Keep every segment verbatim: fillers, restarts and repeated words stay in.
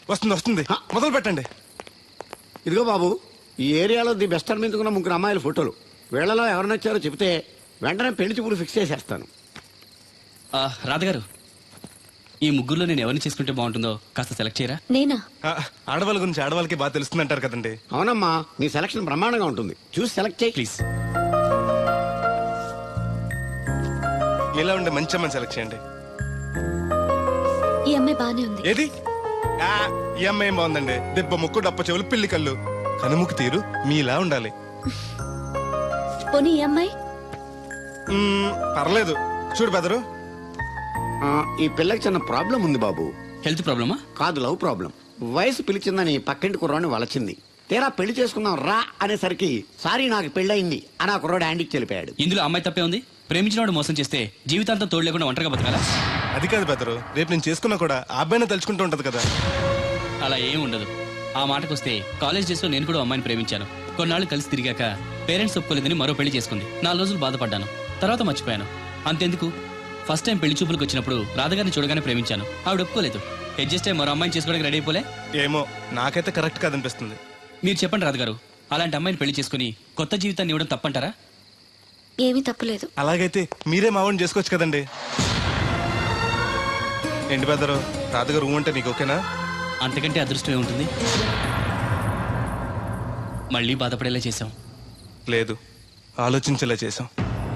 వస్తుంది వస్తుంది మొదలు పెట్టండి. ఇదిగో బాబు, ఈ ఏరియాలో ది బెస్ట్ అనిపించుకున్న ముగ్గురు అమ్మాయిల ఫోటోలు. వీళ్ళలో ఎవరు నచ్చారో చెప్తే వెంటనే పెళ్లి చూపులు ఫిక్స్ చేసేస్తాను. రాధగారు, ఈ ముగ్గురులో నేను ఎవరిని చేసుకుంటే బాగుంటుందో కాస్త సెలెక్ట్ చేయరా? నేనా? ఆ, ఆడవాళ్ళ గురించి ఆడవాళ్ళకి బాగా తెలుస్తుంది అంటారు కదండి. అవునమ్మా, నీ సెలక్షన్ బ్రహ్మాండంగా ఉంటుంది. చూసి సెలెక్ట్ చేయి ప్లీజ్. ఇలా ఉండే మంచి అమ్మని సెలెక్ట్ చేయండి. ఈ అమ్మాయి బానే ఉంది. ఏది? ఆ, ఈ అమ్మాయి ఏం బాగుందండి. దెబ్బ ముక్కు డప్ప చెవులు పిల్లి కళ్ళు కనుముక్కు తీరు మీలా ఉండాలి. పోనీ ఈ అమ్మాయి? మ్మ్, పర్లేదు. చూడు బెదరు, ఆ, ఈ పిల్లకి చిన్న ప్రాబ్లం ఉంది బాబు. హెల్త్ ప్రాబ్లమా? కాదు, లవ్ ప్రాబ్లం. వయసు పిలిచిందని పక్కింటి కుర్రాడిని వలచింది. తీరా పెళ్లి చేసుకుందాం రా అనేసరికి సారీ నాకు పెళ్ళయింది అని ఆ కుర్రాడు హ్యాండికి చెలిపాడు. ఇందులో అమ్మాయి తప్పే ఉంది. ప్రేమించినవాడు మోసం చేస్తే జీవితాంతం తోడు లేకుండా ఒంటరిగా బతకాలా? అది కాదు బెదరు, రేపు నేను చేసుకున్నా కూడా ఆ అబ్బాయిని తలుచుకుంటూ ఉంటది కదా. అలా ఏం ఉండదు. ఆ మాటకొస్తే కాలేజ్ డేస్ లో నేను కూడా అమ్మాయిని ప్రేమించాను. కొన్నాళ్ళు కలిసి తిరిగాక పేరెంట్స్ ఒప్పుకోలేదని మరో పెళ్లి చేసుకుంది. నాలుగు రోజులు బాధపడ్డాను, తర్వాత మర్చిపోయాను. అంతెందుకు, ఫస్ట్ టైం పెళ్లి చూపులకు వచ్చినప్పుడు రాధగారిని చూడగానే ప్రేమించాను. ఆవిడ ఒప్పుకోలేదు. అడ్జస్ట్ అయ్యి మరో అమ్మాయిని చేసుకోవడానికి రెడీ అయిపోలే. ఏమో, నాకైతే కరెక్ట్ కాదనిపిస్తుంది. మీరు చెప్పండి రాధగారు, అలాంటి అమ్మాయిని పెళ్లి చేసుకుని కొత్త జీవితాన్ని ఇవ్వడం తప్పంటారా? ఏమీ తప్పలేదు. అలాగైతే మీరే మావాడిని చేసుకోవచ్చు కదండి. ఏంటి బెదరు, రాధగారు రూమ్ అంటే నీకు ఓకేనా? అంతకంటే అదృష్టం ఏముంటుంది? మళ్ళీ బాధపడేలా చేశాం. లేదు, ఆలోచించేలా చేసాం.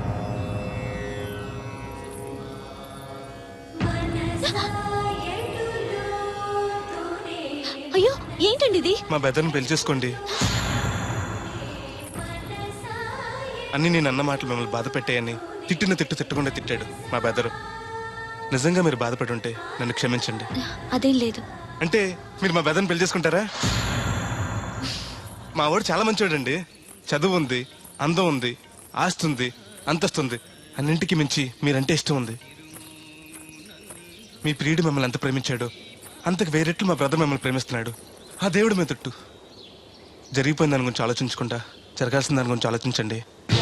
అయ్యో, ఏంటండి ఇది? మా బెదర్ని పెళ్లి చేసుకోండి. అన్ని నేను అన్న మాటలు మిమ్మల్ని బాధ పెట్టాయని తిట్టిన తిట్టు తిట్టకుండా తిట్టాడు మా బెదరు. నిజంగా మీరు బాధపడి ఉంటే నన్ను క్షమించండి. అదేం లేదు. అంటే మీరు మా బెదర్ని పెళ్లి చేసుకుంటారా? మా వాడు చాలా మంచివాడండి. చదువు ఉంది, అందం ఉంది, ఆస్తి ఉంది, అంతస్తుంది. అన్నింటికి మించి మీరంటే ఇష్టం ఉంది. మీ ప్రియుడు మిమ్మల్ని ఎంత ప్రేమించాడు అంతకు వేరెట్లు మా బ్రదర్ మిమ్మల్ని ప్రేమిస్తున్నాడు. ఆ దేవుడు మీద తట్టు. జరిగిపోయిన దాని గురించి ఆలోచించకుండా జరగాల్సిన దాని గురించి ఆలోచించండి.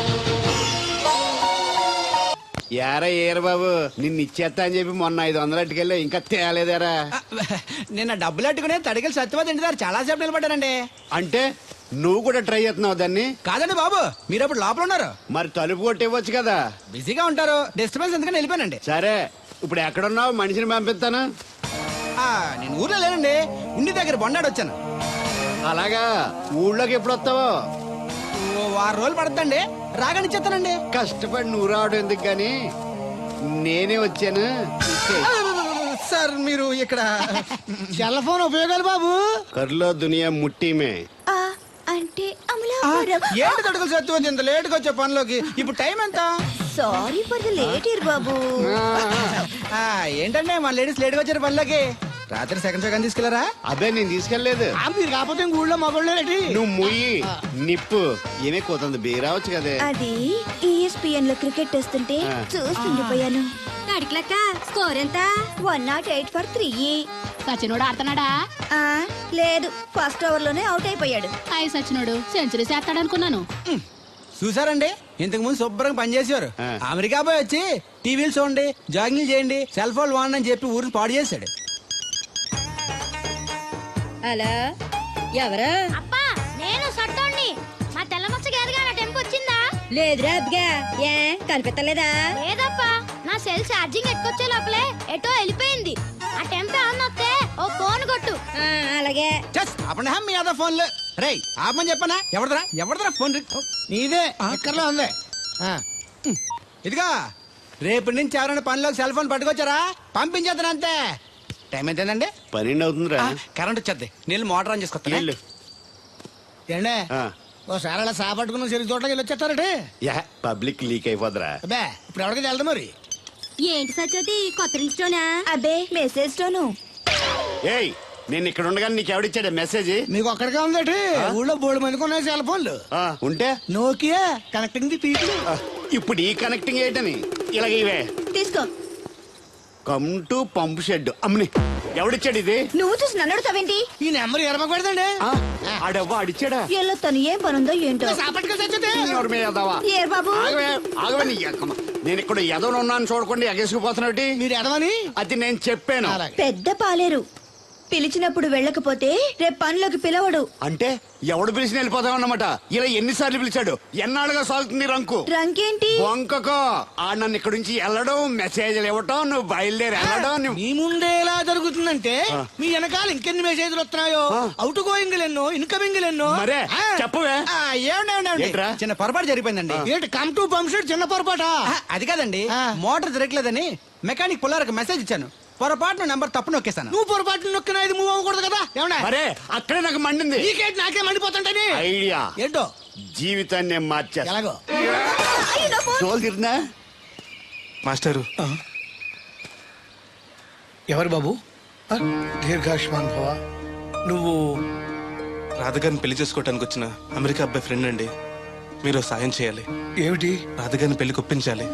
యారా ఏరు బాబు, నిన్ను ఇచ్చేస్తా అని చెప్పి మొన్న ఐదు వందలు అట్టుకెళ్ళి ఇంకా తేలేదారా? నిన్న డబ్బులు అట్టుకునే తడికలు సత్యవతి ఇంటి దగ్గర చాలా సేపు నిలబడ్డానండి. అంటే నువ్వు కూడా ట్రై చేస్తున్నావు దాన్ని? కాదండి బాబు, మీరు అప్పుడు లోపల ఉన్నారు. మరి తలుపు కొట్టివ్వచ్చు కదా. బిజీగా ఉంటారు, డిస్టర్బెన్స్ ఎందుకని వెళ్ళిపోయానండి. సరే, ఇప్పుడు ఎక్కడున్నావు? మనిషిని పంపిస్తాను. ఆ, నేను ఊర్లో లేనండి, ఉండి దగ్గర బొండాడు వచ్చాను. అలాగా, ఊళ్ళోకి ఎప్పుడు వస్తావో? ఓ వారం రోజులు పడుతుందండి, రాగానే చెప్తానండి. కష్టపడి నువ్వు రావడం ఎందుకు గాని నేనే వచ్చాను. సార్ మీరు ఇక్కడ సెల్ ఫోన్ ఉపయోగాలు బాబు. కర్లో దునియా ముట్టిమే అంటే ఏంటి తడుకులు సత్యవతి ఇంత లేటుగా వచ్చే పనిలోకి? ఇప్పుడు టైం ఎంత? Sorry for the late year బాబు. ఆ, ఏంటంటే మన లేడీస్ లేటుగా వచ్చారు పనిలోకి. రాత్రి సెకండ్ సెకండ్ తీసుకెళ్లారా? అదే నేను తీసుకెళ్లేదు. మీరు కాకపోతే ఊళ్ళో మగోళ్ళేటి. నువ్వు ముయ్యి నిప్పు ఏమే కోతుంది బీరావచ్చు కదే. అది ఈఎస్పిఎన్ లో క్రికెట్ వస్తుంటే చూస్తుండిపోయాను. అడిక్లక్క స్కోర్ ఎంత? One not eight for three. సచినోడు ఆడుతున్నాడా? లేదు, ఫస్ట్ ఓవర్ లోనే అవుట్ అయిపోయాడు. అయి సచినోడు సెంచరీ చేస్తాడనుకున్నాను. చూసారండి, ఇంతకు ముందు శుభ్రంగా పనిచేసేవారు. అమెరికా పోయి వచ్చి టీవీలు చూడండి, జాగింగ్ చేయండి, సెల్ ఫోన్ వాడండి అని చెప్పి ఊరిని పాడు చేశాడు. అలా ఎవరా? అప్పా, నేను సట్టోణ్ణి. మా తెల్లమచ్చ గారిగా నా టెంపు వచ్చిందా? లేదురా అబ్బిగా, ఏ కనిపెట్టలేదా? లేదప్పా, నా సెల్ ఛార్జింగ్ ఎక్కొచ్చే లోపలే ఎటో వెళ్ళిపోయింది. ఆ టెంపు ఏమన్నా వస్తే ఓ ఫోన్ కొట్టు. అలాగే. అప్పుడు మీ అదా ఫోన్లు రే ఆపమని చెప్పనా? ఎవడదరా ఎవడదరా ఫోన్? నీదే అక్కర్లో ఉంది. ఇదిగా రేపటి నుంచి ఎవరైనా పనిలోకి సెల్ ఫోన్ పట్టుకొచ్చారా పంపించేద్దాను అంతే. టైం ఎంతేనండి? పన్నెండు అవుతుందిరా. కరెంట్ వచ్చేద్ది, నీళ్ళు మోటార్ ఆన్ చేసుకొస్తా. ఏండే ఓసారి అలా సాపట్టుకున్న చెరుకు తోటకి వెళ్ళి వచ్చేస్తారటే. యా, పబ్లిక్ లీక్ అయిపోద్రా. అబ్బే, ఇప్పుడు ఎవరికి వెళ్దాం మరి? ఏంటి సత్యవతి, కొత్త రిజిస్టోనా? అబ్బే, మెసేజ్ తోను. ఏయ్, నేను ఇక్కడ ఉండగానే నీకు ఎవడిచ్చాడు మెసేజ్? మీకు ఒక్కడిగా ఉందటి? ఊళ్ళో బోర్డు మందికి ఉన్నాయి సెల్ ఫోన్లు. ఉంటే నోకియా కనెక్టింగ్ ది పీపుల్. ఇప్పుడు ఈ కనెక్టింగ్ ఏంటని ఇలాగ ఇవే తీసుకో. Come to pump shed. అమ్మని ఎవడిచ్చాడు ఇది? నువ్వు చూసి నన్ను అడుగుతావేంటి? ఈ నెంబర్ ఎరమకు పెడతాండి. ఆడవ్వ అడిచాడా? ఎల్లో తను ఏం పనుందో ఏంటో. ఏరు బాబు, ఆగవే నీ ఎక్కమ. నేను ఇక్కడ ఎదవను ఉన్నాను చూడకుండా ఎగేసుకుపోతున్నట్టు. మీరు ఎదవని అది నేను చెప్పాను. పెద్ద పాలేరు. పిలిచినప్పుడు వెళ్ళకపోతే రేపు పనిలోకి పిలవడు. అంటే ఎవడు పిలిచిన వెళ్ళిపోతావు అన్నమాట. ఇలా ఎన్నిసార్లు పిలిచాడు? ఎన్నాళ్ళుగా సాగుతుంది రంకు? రంకేంటి? వంకకో ఆ నన్ను ఇక్కడి నుంచి వెళ్ళడం, మెసేజ్లు ఇవ్వటం, నువ్వు బయలుదేరి వెళ్ళడం. నువ్వు మీ ముందే ఎలా జరుగుతుందంటే మీ వెనకాల ఇంకెన్ని మెసేజ్లు వస్తున్నాయో. అవుట్ గోయింగ్ ఎన్నో, ఇన్కమింగ్ ఎన్నో. మరే చెప్పవే. ఆ, ఏమండి, ఏమండి, ఏమండి? ఏంట్రా? చిన్న పొరపాటు జరిగిపోయిందండి. ఏంటి కమ్ టు పంప్ షెడ్ చిన్న పొరపాట? అది కాదండి, మోటార్ తిరగలేదని మెకానిక్ పుల్లారకు మెసేజ్ ఇచ్చాను. పొరపాటున నెంబర్ తప్పు నొక్కేసాను. నువ్వు పొరపాటు నొక్కినా ఇది మూవ్ అవ్వకూడదు కదా. ఏమన్నా మరే అక్కడే నాకు మండింది. నీకేంటి నాకే మండిపోతుంటని ఐడియా ఏంటో జీవితాన్ని మార్చేస్తా. ఎలాగో తోలు తిరిగినా మాస్టారు, ఎవరు బాబు? ఆ, దీర్ఘాయుష్మాన్ భవ. నువ్వు రాధగారిని పెళ్లి చేసుకోవటానికి వచ్చిన అమెరికా అబ్బాయి ఫ్రెండ్ అండి. మీరు సాయం చేయాలి. ఏమిటి? రాధగారిని పెళ్లికి ఒప్పించాలి.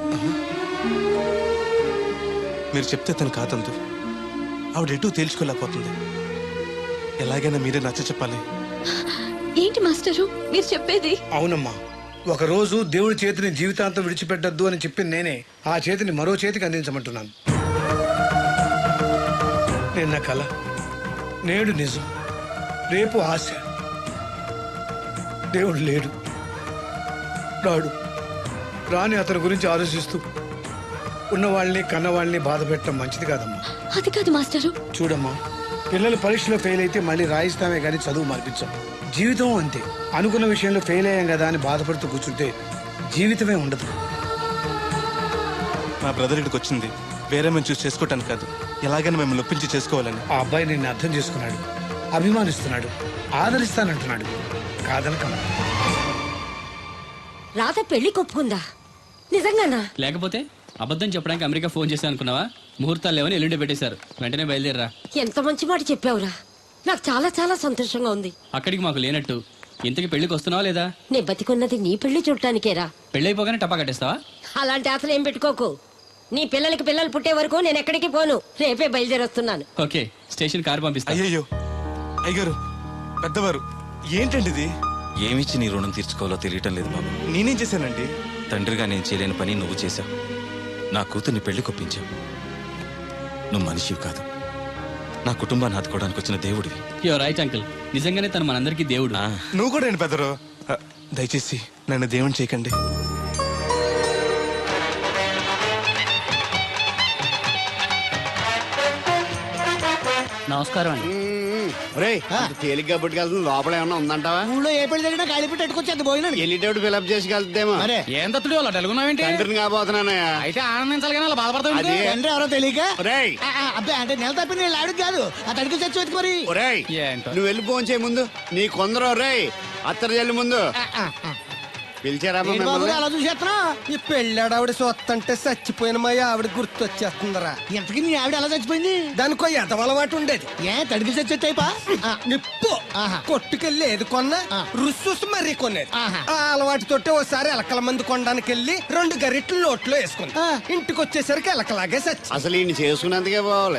మీరు చెప్తే తను కాదందు. ఆవిడ ఎటూ తేల్చుకోలేకపోతుంది. ఎలాగైనా మీరే నచ్చ చెప్పాలి. ఏంటి మాస్టరు మీరు చెప్పేది? అవునమ్మా, ఒక రోజు దేవుడి చేతిని జీవితాంతం విడిచిపెట్టద్దు అని చెప్పింది నేనే. ఆ చేతిని మరో చేతికి అందించమంటున్నాను. నిన్న కల, నేడు నిజం, రేపు ఆశ. దేవుడు లేడు, రాడు. రాని అతని గురించి ఆలోచిస్తూ ఉన్నవాళ్ళని కన్నవాళ్ళని బాధ పెట్టడం మంచిది కాదమ్మా. అది కాదు మాస్టరు. చూడమ్మా, పిల్లలు పరీక్షలో ఫెయిల్ అయితే మళ్ళీ రాయిస్తామే కానీ చదువు మార్పించాం. జీవితం అంతే. అనుకున్న విషయంలో ఫెయిల్ అయ్యాం కదా అని బాధపడుతూ కూర్చుంటే జీవితమే ఉండదు. మా బ్రదర్ ఇక్కడికి వచ్చింది వేరే మేము చూసి చేసుకోవటానికి కాదు, ఎలాగైనా మిమ్మల్ని ఒప్పించి చేసుకోవాలని. ఆ అబ్బాయి నిన్ను అర్థం చేసుకున్నాడు, అభిమానిస్తున్నాడు, ఆదరిస్తానంటున్నాడు. కాదనకమ్మా. రాత పెళ్లి కొప్పుకుందా? నిజంగానా? లేకపోతే అబద్ధం చెప్పడానికి అమెరికా ఫోన్ చేశాను అనుకున్నావా? ముహూర్తాలు లేవని ఎల్లుండి పెట్టేశారు. వెంటనే బయలుదేరరా. ఎంత మంచి మాట చెప్పావురా. నాకు చాలా చాలా సంతోషంగా ఉంది. అక్కడికి మాకు లేనట్టు ఇంతకి పెళ్లికి వస్తున్నావా లేదా? నే బతికున్నది నీ పెళ్లి చూడటానికేరా. పెళ్ళైపోగానే టపా కట్టేస్తావా? అలాంటి ఆశలు ఏం పెట్టుకోకు. నీ పిల్లలకి పిల్లలు పుట్టే వరకు నేను ఎక్కడికి పోను. రేపే బయలుదేరొస్తున్నాను. ఓకే, స్టేషన్ కారు పంపిస్తా. అయ్యయ్యో అయ్యగారు, పెద్దవారు, ఏంటండి ఇది? ఏమిచ్చి నీ రుణం తీర్చుకోవాలో తెలియటం లేదు బాబు. నేనేం చేశానండి? తండ్రిగా నేను చేయలేని పని నువ్వు చేశావు. నా కూతుర్ని పెళ్లి కొప్పించావు. నువ్వు మనిషివి కాదు, నా కుటుంబాన్ని ఆదుకోవడానికి వచ్చిన దేవుడివి. Your right uncle. నిజంగానే తను మనందరికీ దేవుడు. ఆ, నువ్వు కూడా ఏంటి పెద్దరు? ఆ, దయచేసి నన్ను దేవుని చేయకండి. నమస్కారం అండి. రే తేలిగ్గా పుట్టుకెళ్తుంది. లోపల ఏమన్నా ఉందంటావా? ఊళ్ళో ఏ పెళ్లి జరిగినా కాళీ పెట్టి ఎట్టుకొచ్చేది పోయినాడు. వెళ్ళేటప్పుడు ఫిలప్ చేసి వెళ్తేమో. మరే ఏం తత్తుడు అలా తెలుగున్నావేంటి? తండ్రిని కాబోతున్నానయ్యా. అయితే ఆనందించాలి కానీ అలా బాధపడతావు. అది తండ్రి ఎవరో తెలియక ఒరేయ్ ఆ, ఆ, అబ్బే అంటే నెల తప్పిన వీళ్ళు ఆవిడకి కాదు, ఆ తడికి చచ్చి వెతుకు మరి. ఒరేయ్ ఏంటో. నువ్వు వెళ్ళి ఫోన్ చేయ ముందు. నీ కొందరు రేయ్ అత్తరు జల్లి ముందు ఆ, ఆ, ఆ. పిలిచారా ఏంటి బాబు అలా చూసేస్తున్నా? ఈ పెళ్ళాడు ఆవిడ సొత్తంటే చచ్చిపోయిన మా ఆవిడ గుర్తొచ్చేస్తుందరా. ఇంతకీ నీ ఆవిడ ఎలా చచ్చిపోయింది? దానికో ఎంత అలవాటు ఉండేది. ఏ తడికి చచ్చేటైపా? నిప్పు కొట్టుకెళ్ళి ఏది కొన్నా రుస్సుస్ మరీ కొనేది. ఆ అలవాటు తోటే ఓసారి ఎలకల మంది కొనడానికి వెళ్ళి రెండు గరిట్లు నోట్లో వేసుకుంది. ఇంటికి వచ్చేసరికి ఎలకలాగే చచ్చి. అసలు ఈయన చేసుకున్నందుకే పోవాలి.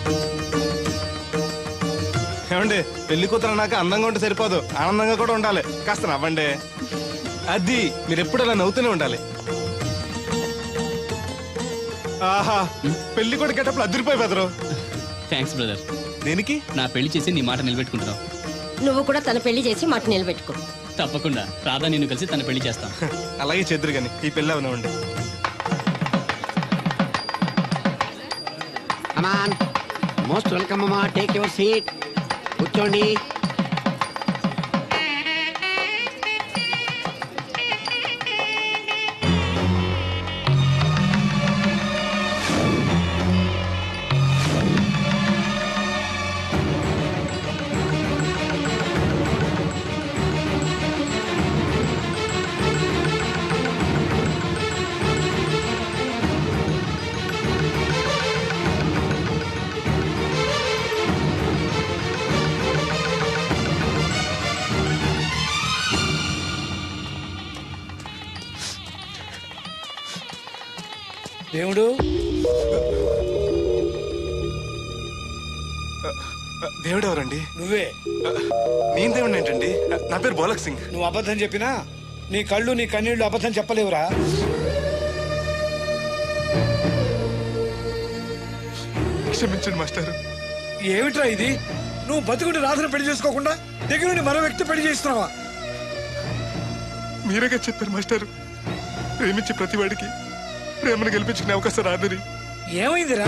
ఏమండి, పెళ్లి కూతురు నాకు అందంగా ఉంటే సరిపోదు, ఆనందంగా కూడా ఉండాలి. కాస్త నవ్వండి. అది మీరు ఎప్పుడు అలా నవ్వుతూనే ఉండాలి. ఆహా, పెళ్లి కూడా గెటప్పుడు అదిరిపోయి బెదరు. Thanks brother. దేనికి? నా పెళ్లి చేసి నీ మాట నిలబెట్టుకుంటున్నావు. నువ్వు కూడా తన పెళ్లి చేసి మాట నిలబెట్టుకో. తప్పకుండా రాధా నిన్ను కలిసి తన పెళ్లి చేస్తాం. అలాగే చెద్దురు గాని ఈ పెళ్లి అవనివ్వండి. అమాన్ మోస్ట్ వెల్కమ్ అమ్మా. Take your seat. కూర్చోండి. దేవుడు, దేవుడు ఎవరండి? నువ్వే. నేను దేవుడిని ఏంటండి? నా పేరు బోలక్ సింగ్. నువ్వు అబద్ధం చెప్పినా నీ కళ్ళు నీ కన్నీళ్లు అబద్ధం చెప్పలేవురా. క్షమించండి మాస్టర్. ఏమిట్రా ఇది? నువ్వు బతుకుంటే రాధను పెళ్లి చేసుకోకుండా దగ్గర నుండి మరో వ్యక్తి పెళ్లి చేస్తున్నావా? మీరేగా చెప్పారు మాస్టర్, ప్రేమించే ప్రతి వాడికి ప్రేమను గెలిపించుకునే అవకాశం రాదని. ఏమైందిరా?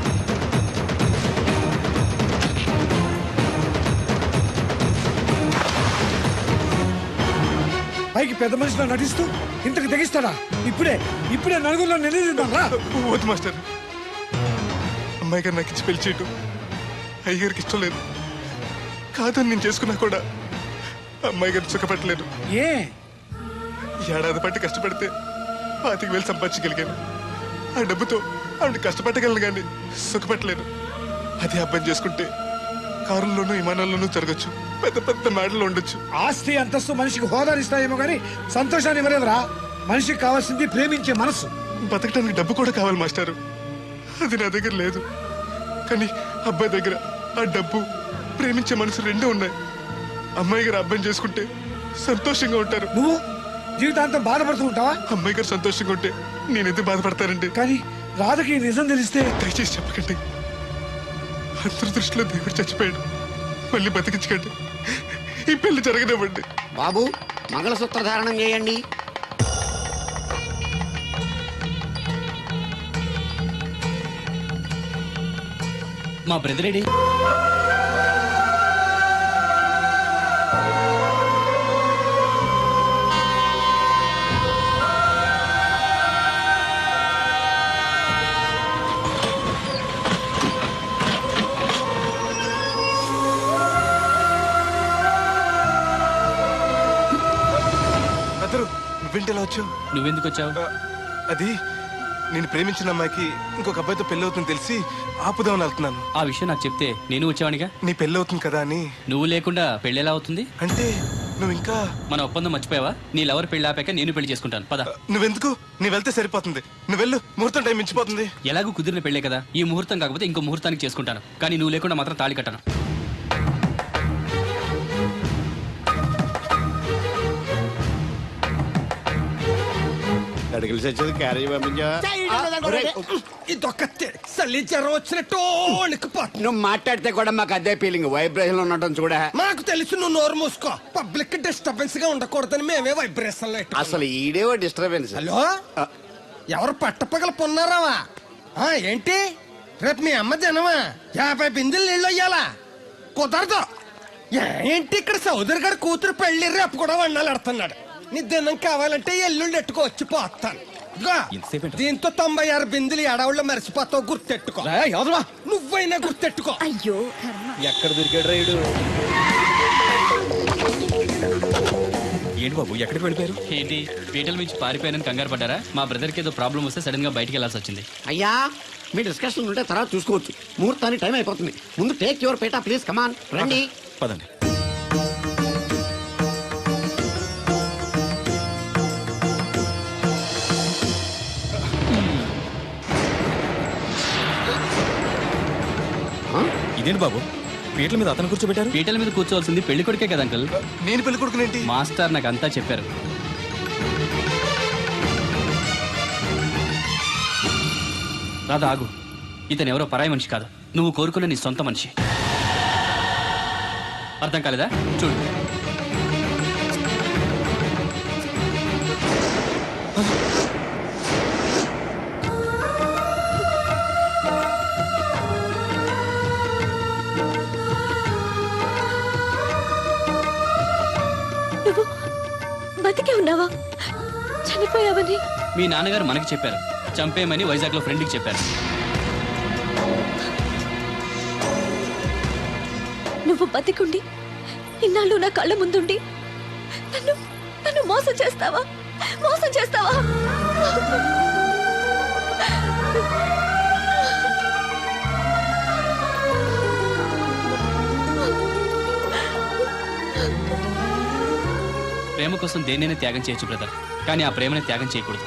పైకి పెద్ద మనిషిలో నటిస్తూ ఇంతకు తెగిస్తాడా? ఇప్పుడే ఇప్పుడే నలుగురిలో నిలదీద్దాం రా. వద్దు మాస్టర్, అమ్మాయి గారు నాకు ఇచ్చి పెళ్లి చేయటం అయ్యగారికి ఇష్టం లేదు. కాదని నేను చేసుకున్నా కూడా అమ్మాయి గారిని సుఖపెట్టలేదు. ఏ ఏడాది పట్టి కష్టపడితే పాతికి వేలు సంపాదించగలిగాను. ఆ డబ్బుతో ఆవిడ కష్టపట్టగలను కానీ సుఖపెట్టలేను. అదే అబ్బాయి చేసుకుంటే కారుల్లోనూ విమానాల్లోనూ జరగచ్చు, పెద్ద పెద్ద మేడలు ఉండొచ్చు. ఆస్తి అంతస్తు మనిషికి హోదానిస్తాయేమో కానీ సంతోషాన్ని ఇవ్వలేదురా. మనిషికి కావాల్సింది ప్రేమించే మనసు. బతకడానికి డబ్బు కూడా కావాలి మాస్టారు, అది నా దగ్గర లేదు. కానీ అబ్బాయి దగ్గర ఆ డబ్బు, ప్రేమించే మనసు రెండూ ఉన్నాయి. అమ్మాయి గారు అబ్బాయిని చేసుకుంటే సంతోషంగా ఉంటారు. నువ్వు జీవితాంతం బాధపడుతూ ఉంటావా? అమ్మాయి గారు సంతోషంగా ఉంటే నేను ఎందుకు బాధపడతానండి? కానీ రాధకి ఈ నిజం తెలిస్తే దయచేసి చెప్పకండి. అందరి దృష్టిలో దేవుడు చచ్చిపోయాడు, మళ్ళీ బతికించకండి. ఈ పెళ్లి జరగనివ్వండి. బాబు మంగళసూత్ర ధారణం చేయండి. మా బ్రదర్ ఏడి? అందరూ నువ్వేంటి ఎలా వచ్చావు? నువ్వెందుకు వచ్చావు? ఆ, అది నేను ప్రేమించిన అమ్మాయికి ఇంకొక అబ్బాయితో పెళ్లి అవుతుందని తెలిసి ఆపుదామని వెళ్తున్నాను. ఆ విషయం నాకు చెప్తే నేను వచ్చేవాడిగా. నీ పెళ్లి అవుతుంది కదా అని. నువ్వు లేకుండా పెళ్లి ఎలా అవుతుంది? అంటే నువ్వు ఇంకా మన ఒప్పందం మర్చిపోయావా? నీ లవర్ పెళ్లి ఆపాక నేను పెళ్లి చేసుకుంటాను. పద. నువ్వెందుకు? నీ వెళ్తే సరిపోతుంది. నువ్వు వెళ్ళు, ముహూర్తం టైం మించిపోతుంది. ఎలాగూ కుదిరిన పెళ్లే కదా, ఈ ముహూర్తం కాకపోతే ఇంకో ముహూర్తానికి చేసుకుంటాను. కానీ నువ్వు లేకుండా మాత్రం తాళి కట్టను. అడిగిలి చచ్చేది క్యారేజ్ పంపించా. ఇదొక్క సల్లించారు వచ్చినట్టు వణికిపోతుంది. నువ్వు మాట్లాడితే కూడా మాకు అదే ఫీలింగ్, వైబ్రేషన్ ఉండటం చూడ. మాకు తెలుసు, నువ్వు నోరు మూసుకో. పబ్లిక్ డిస్టర్బెన్స్ గా ఉండకూడదని మేమే వైబ్రేషన్ లో అసలు ఈడేవో డిస్టర్బెన్స్. హలో, ఎవరు పట్టపగల పొన్నారావా? ఆ, ఏంటి రేపు మీ అమ్మ జనమా? యాభై బిందులు నీళ్ళు అయ్యాలా? కుదరదు. ఏ- ఏంటి ఇక్కడ సౌదరి గారి కూతురు పెళ్లి రేపు కూడా వండాలి ఆడుతున్నాడు. నీ దినం కావాలంటే ఎల్లుండి ఎట్టుకో వచ్చి పోతాను. ఇదిగో, దీంతో తొంభై ఆరు బిందులు ఎడవుళ్ళు మరిచిపోతావు, గుర్తెట్టుకో. నువ్వైనా గుర్తెట్టుకో. అయ్యో ఎక్కడ దొరికాడు రైడు? ఏంటి బాబు, ఎక్కడికి వెళ్ళిపోయారు? ఏంటి పీటల నుంచి పారిపోయానని కంగారు పడ్డారా? మా బ్రదర్కి ఏదో ప్రాబ్లం వస్తే సడన్ గా బయటికి వెళ్ళాల్సి వచ్చింది. అయ్యా, మీ డిస్కషన్ ఉంటే తర్వాత చూసుకోవచ్చు. ముహూర్తానికి టైం అయిపోతుంది. ముందు టేక్ యువర్ పేటా ప్లీజ్, కమాన్ రండి. పదండి. ఇదేంటి బాబు, పీటల మీద అతను కూర్చోబెట్టారు? పీటల మీద కూర్చోవాల్సింది పెళ్లి కొడుకే కదా అంకల్. నేను పెళ్లి కొడుకునేంటి? మాస్టర్ నాకు అంతా చెప్పారు. రాదా ఆగు, ఇతను ఎవరో పరాయి మనిషి కాదు, నువ్వు కోరుకున్న నీ సొంత మనిషి. అర్థం కాలేదా? చూడు. నువ్వు బతికే ఉన్నావా? చనిపోయావని మీ నాన్నగారు మనకి చెప్పారు, చంపేయమని వైజాగ్ లో ఫ్రెండ్కి చెప్పారు. నువ్వు బతికుండి ఇన్నాళ్ళు నా కళ్ళ ముందుండి నన్ను నన్ను మోసం చేస్తావా? మోసం చేస్తావా? ప్రేమ కోసం దేన్నైనా త్యాగం చేయొచ్చు బ్రదర్, కానీ ఆ ప్రేమని త్యాగం చేయకూడదు.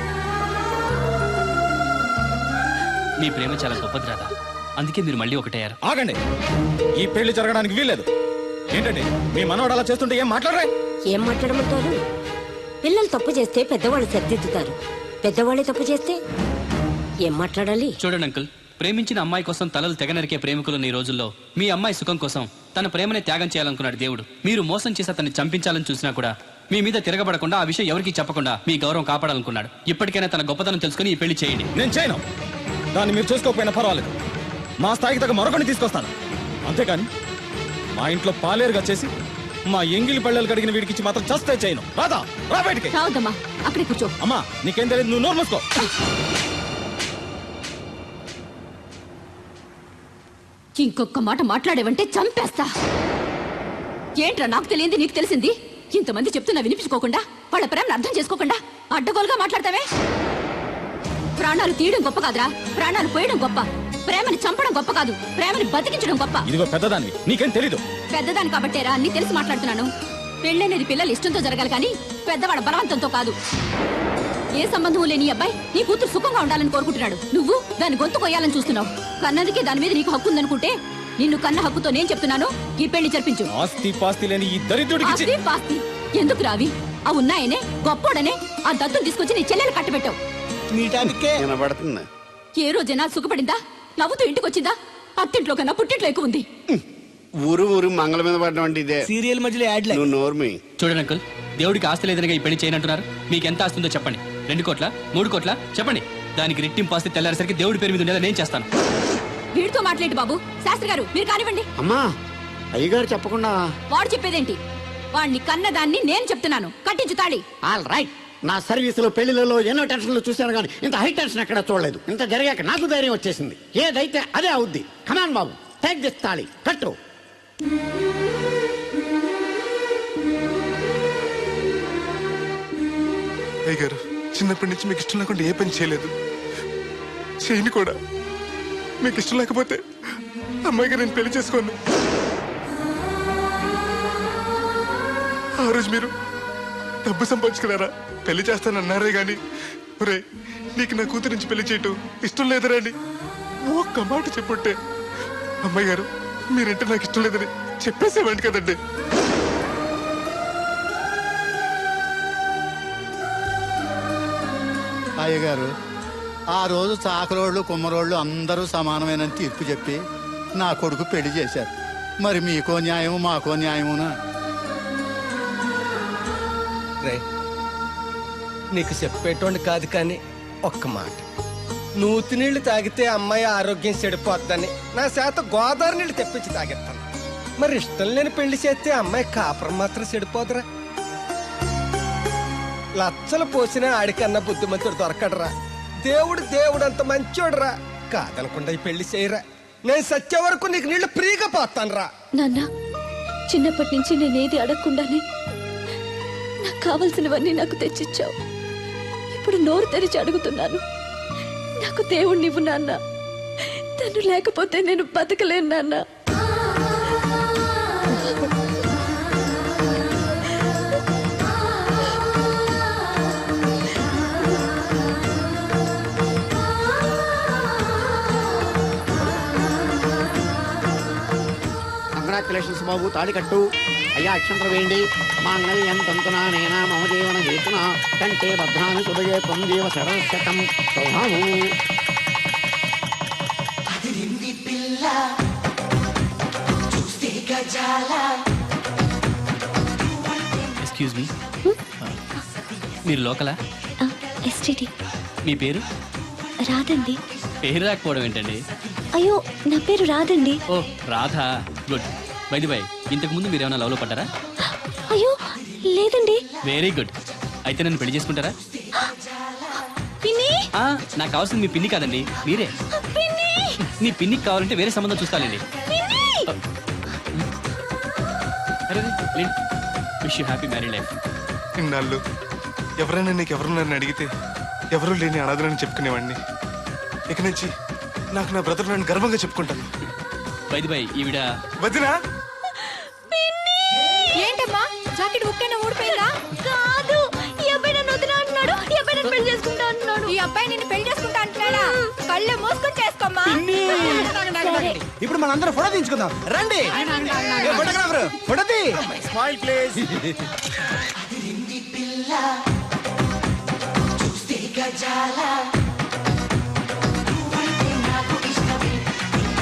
నీ ప్రేమ చాలా గొప్పది రాదా, అందుకే మీరు మళ్ళీ ఒకటయ్యారు. ఆగండి, ఈ పెళ్లి జరగడానికి వీల్లేదు. ఏంటండి మీ మనవాడు అలా చేస్తుంటే ఏం మాట్లాడరా? ఏం మాట్లాడమంటారు? పిల్లలు తప్పు చేస్తే పెద్దవాళ్ళు సర్దిద్దుతారు, పెద్దవాళ్ళే తప్పు చేస్తే ఏం మాట్లాడాలి? చూడండి అంకుల్, ప్రేమించిన అమ్మాయి కోసం తలలు తెగ నరికే ప్రేమికులున్న ఈ రోజుల్లో మీ అమ్మాయి సుఖం కోసం తన ప్రేమనే త్యాగం చేయాలనుకున్నాడు దేవుడు. మీరు మోసం చేసి అతన్ని చంపించాలని చూసినా కూడా మీ మీద తిరగబడకుండా ఆ విషయం ఎవరికీ చెప్పకుండా మీ గౌరవం కాపాడాలనుకున్నాడు. ఇప్పటికైనా తన గొప్పతనం తెలుసుకుని ఈ పెళ్లి చేయండి. నేను చేయను. దాన్ని మీరు చూసుకోకపోయినా పర్వాలేదు. మా స్థాయికి తగ్గ మరొకటి తీసుకొస్తాను. అంతేకాని మా ఇంట్లో పాలేరుగా చేసి మా ఎంగిలి పళ్ళలు కడిగిన వీడికిచ్చి మాత్రం చస్తే చేయను. రాదా రా బయటికి. రావద్దమ్మా, అక్కడే కూర్చో. అమ్మా నీకేం తెలియదు, నువ్వు నోరు మూసుకో. ఇంకొక మాట మాట్లాడేవంటే చంపేస్తా. ఏంట్రా నాకు తెలియంది నీకు తెలిసింది? ఇంతమంది చెప్తున్నా వినిపించుకోకుండా, వాళ్ళ ప్రేమను అర్థం చేసుకోకుండా అడ్డగోలుగా మాట్లాడతావే. ప్రాణాలు తీయడం గొప్ప కాదురా, ప్రాణాలు పోయడం గొప్ప. ప్రేమని చంపడం గొప్ప కాదు, ప్రేమని బతికించడం గొప్ప. ఇదిగో పెద్దదాన్ని, నీకేం తెలీదు. పెద్దదాని కాబట్టేరా అన్ని తెలిసి మాట్లాడుతున్నాను. పెళ్ళనేది పిల్లలు ఇష్టంతో జరగాలి కానీ పెద్దవాడ బలవంతంతో కాదు. ఏ సంబంధం లేని ఈ అబ్బాయి నీ కూతురు సుఖంగా ఉండాలని కోరుకుంటున్నాడు. నువ్వు దాని గొంతు కొయ్యాలని చూస్తున్నావు. కన్నదికే దాని మీద నీకు హక్కు ఉందనుకుంటే నిన్ను కన్న హక్కుతో నేను చెప్తున్నాను, ఈ పెళ్లి జరిపించు. ఆస్తి పాస్తి లేని ఈ దరిద్రుడికి ఆస్తి పాస్తి ఎందుకు రావి? ఆ ఉన్నాయనే గొప్పోడనే ఆ దత్తును తీసుకొచ్చి నీ చెల్లెలు కట్టబెట్టావు. మీటానికే వినబడుతుంది. ఏ రోజైనా సుఖపడిందా? నవ్వుతూ ఇంటికి వచ్చిందా? అత్తింట్లో కన్నా పుట్టింట్లో ఎక్కువ ఉంది. ఊరు ఊరు మంగళ మీద పడడం అంటే ఇదే. సీరియల్ మధ్యలో యాడ్ నువ్వు నోర్మి. చూడండి అంకుల్, దేవుడికి ఆస్తి లేదనగా ఈ పెళ్లి చేయనంటున్నారు. మీకు ఎంత ఆస్తుందో చెప్పండి. రెండు కోట్ల మూడు కోట్ల చెప్పండి. దానికి రెట్టింపు ఆస్తి తెల్లారేసరికి దేవుడి పేరు మీద ఉండేలా నేను చేస్తాను. వీడితో మాట్లాడి బాబు. శాస్త్రి గారు మీరు కానివ్వండి. అమ్మా అయ్యగారు చెప్పకుండా. వాడు చెప్పేదేంటి? వాడిని కన్నదాన్ని నేను చెప్తున్నాను, కట్టించు తాళి. All right. నా సర్వీసులో పెళ్లిలలో ఎన్నో టెన్షన్లు చూశాను కానీ ఇంత హై టెన్షన్ ఎక్కడ చూడలేదు. ఇంత జరిగాక నాకు ధైర్యం వచ్చేసింది. ఏదైతే అదే అవుద్ది. కమాన్ బాబు, టేక్ దిస్ తాళి, కట్టు. అయ్య గారు, చిన్నప్పటి నుంచి మీకు ఇష్టం లేకుండా ఏ పని చేయలేదు, చేయని కూడా. మీకు ఇష్టం లేకపోతే అమ్మాయి గారు నేను పెళ్లి చేసుకోను. ఆ రోజు మీరు డబ్బు సంపాదించుకున్నారా, పెళ్లి చేస్తానన్నారే గాని ఒరే నీకు నా కూతురు నుంచి పెళ్లి చేయటం ఇష్టం లేదరా అని ఒక్క మాట చెప్పుంటే అమ్మాయి గారు మీరంటే నాకు ఇష్టం లేదని చెప్పేసేవాడి కదండి. అయ్యగారు, ఆ రోజు చాకరోళ్ళు కుమ్మరోళ్ళు అందరూ సమానమైన తీర్పు చెప్పి నా కొడుకు పెళ్లి చేశారు. మరి మీకో న్యాయము మాకో న్యాయమునా? రే, నీకు చెప్పేటోండి కాదు కానీ ఒక్క మాట. నూతి నీళ్లు తాగితే అమ్మాయి ఆరోగ్యం చెడిపోద్దని నా చేత గోదావరి నీళ్లు తెప్పించి తాగేస్తాను. మరి ఇష్టం లేని పెళ్లి చేస్తే అమ్మాయి కాపురం మాత్రం చెడిపోదురా? లచ్చలు పోసినా ఆడికన్నా బుద్ధిమంతుడు దొరకడరా. దేవుడు దేవుడు అంత మంచోడురా. కాదనకుండా ఈ పెళ్లి చేయరా. నేను సచ్చే వరకు నీకు నీళ్లు ఫ్రీగా పోతాను రా. నాన్న, చిన్నప్పటి నుంచి నేనేది అడగకుండానే నాకు కావలసినవన్నీ నాకు తెచ్చిచ్చావు. ఇప్పుడు నోరు తెరిచి అడుగుతున్నాను, నాకు దేవుణ్ణి ఇవ్వు నాన్న. తను లేకపోతే నేను బతకలేను నాన్న. కంగ్రాచులేషన్స్ బాబు, తాళి కట్టు. అయ్యా అక్షంతలు వేయండి. మాంగళ్యం తంతునా నేనా మమ జీవన హేతునా కంటే భద్రాన్ని సుభగే త్వం జీవ శరశతం సౌభాము. ఎక్స్క్యూజ్ మీ, మీరు లోకలా? ఎస్టీటీ. మీ పేరు? రాదండి. పేరు రాకపోవడం ఏంటండి? అయ్యో, నా పేరు రాదండి. Oh Radha, good. By the by, ఇంతకు ముందు మీరు ఏమైనా లవ్లో పడ్డారా? అయ్యో లేదండి. Very good. అయితే నన్ను పెళ్లి చేసుకుంటారా? పిన్ని, ఆ, నాకు కావాల్సింది మీ పిన్ని కాదండి, మీరే. పిన్ని, మీ పిన్నికి కావాలంటే వేరే సంబంధం చూస్తానండి. Wish you happy marry life. ఇన్నాళ్ళు ఎవరైనా నీకు ఎవరున్నారని అడిగితే ఎవరూ లేని అనాథలని చెప్పుకునేవాడిని. ఇక నుంచి నాకు నా బ్రదర్ నేను గర్వంగా చెప్పుకుంటాను. బై ది బై, ఈవిడ వదినా. ఏంటమ్మా జాకెట్ ఉక్కైనా ఊడిపోయిందా? కాదు, ఈ అబ్బాయి నన్ను వదినా అంటున్నాడు. ఈ అబ్బాయి నన్ను పెళ్లి చేసుకుంటా అంటున్నాడు. ఈ అబ్బాయి నిన్ను పెళ్లి చేసుకుంటా అంటున్నాడా? కళ్ళు మూసుకొని చేసుకోమ్మా. ఇప్పుడు మనందరం ఫోటో తీయించుకుందాం రండి. ఏ ఫోటోగ్రాఫర్, ఫోటో తీ. Smile please. గజాల